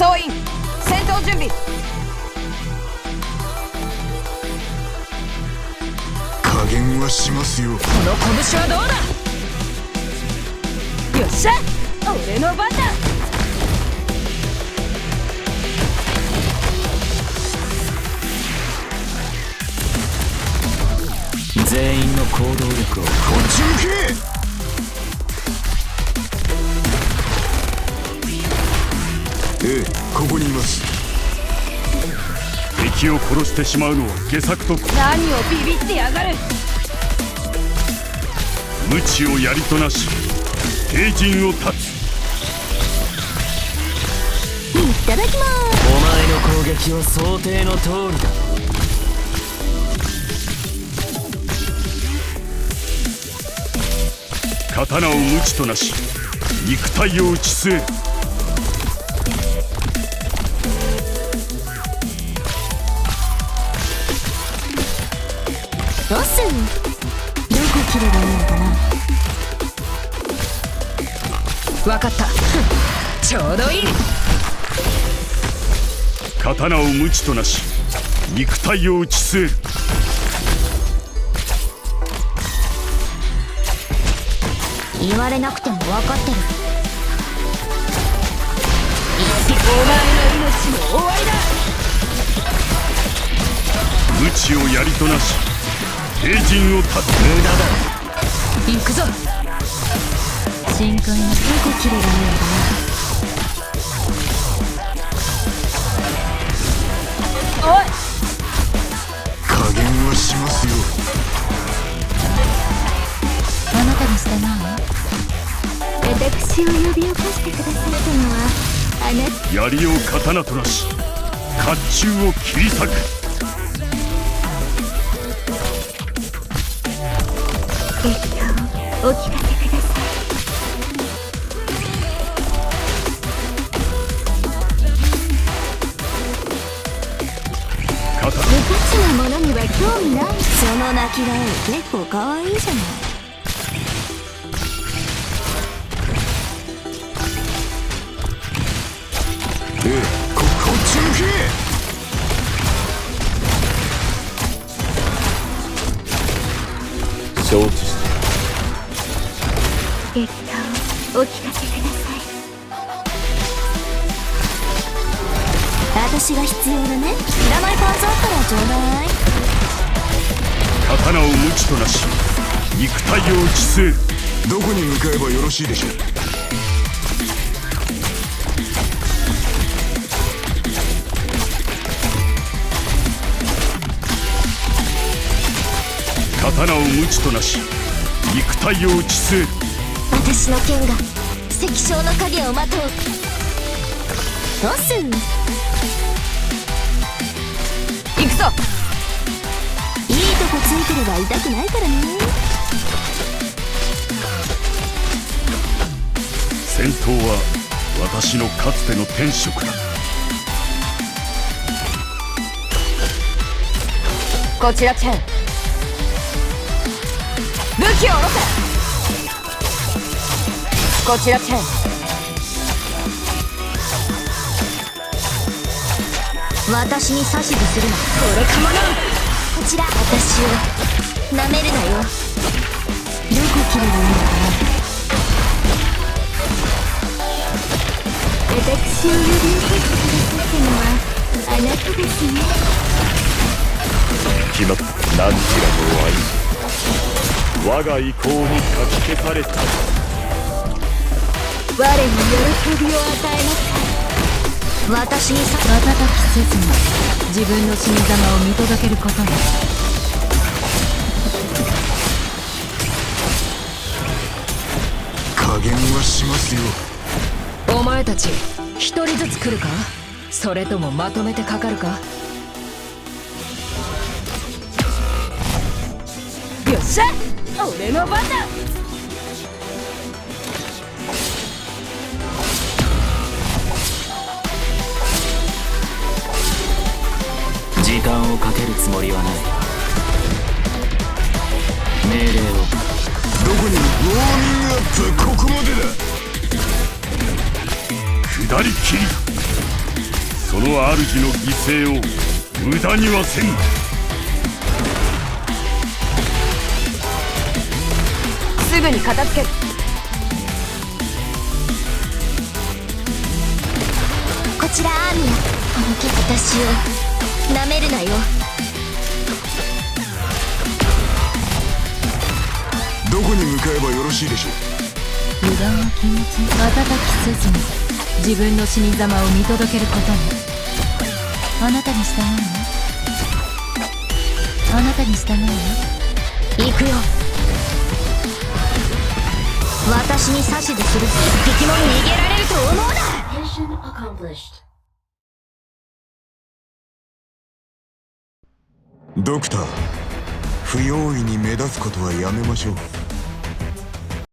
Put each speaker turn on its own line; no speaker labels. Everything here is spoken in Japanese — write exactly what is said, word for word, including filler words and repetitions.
総員戦闘準備。
加減はしますよ。
この拳はどうだ。よっしゃ、俺の番だ。
全員の行動力を。
こっち向け。ええ、ここにいます。
敵を殺してしまうのは下策と。
何をビビってやがる。
無知をやりとなし兵陣を断つ。
いただきます。
お前の攻撃は想定の通りだ。
刀を無知となし肉体を打ち据える。
どうすん。どこ切ればいいのかな。
わかった。ちょうどいい。
刀を無知となし肉体を打ち据える。
言われなくても分かってる。
お前の命も終わりだ。
無知をやりとなし兵陣を断つ。
無駄だ。
行くぞ。
深海のどこ切ればいいのかな。
おい、
加減はしますよ。
あなたにしたな。私を呼び起こしてくださったのはあなた。
槍を刀となし甲冑を切り裂く。
えっとお聞かせください。無価値なものには興味ない。その泣き顔結構可愛いじゃない。
ええ、こ、こっち向け。
承知した。
えっとお聞かせください。私が必要だね。いらないパーツあったらちょうだい。
刀を無知となし肉体を打ち据える。
どこに向かえばよろしいでしょう。
刀を無知となし肉体を打ち据える。
私の剣が石章の影をまとう。どうすん。
行くぞ。
いいとこついてれば痛くないからね。
戦闘は私のかつての天職だ。
こちらチェン、武器を下ろせ。こちらチェン、
私に指図するな。
これかもな。
こちら私を舐めるなよ。どこ切ればいいのかな。私を呼び起こしてくださったのはあなたですね。
決まった。何ちらの愛我が意向にかき消された。
我に喜びを与えますか。私にさ
瞬きせずに自分の死に様を見届けることに。
加減はしますよ。
お前たち一人ずつ来るか、それともまとめてかかるか。よっしゃ、俺の番だ。
時間をかけるつもりはない。命令を。
どこに。ウォーミングアップはここまでだ。
下り切り。 その主の犠牲を無駄にはせん。
すぐに片付ける。
こちらアーミア、このけ私をなめるなよ。
どこに向かえばよろしいでしょう。
油断は禁物。瞬きせずに自分の死に様を見届けることに。あなたに従うの？あなたに従うの？
行くよ。私に指図する一匹も逃げられると思うな。
ドクター、不用意に目立つことはやめましょう。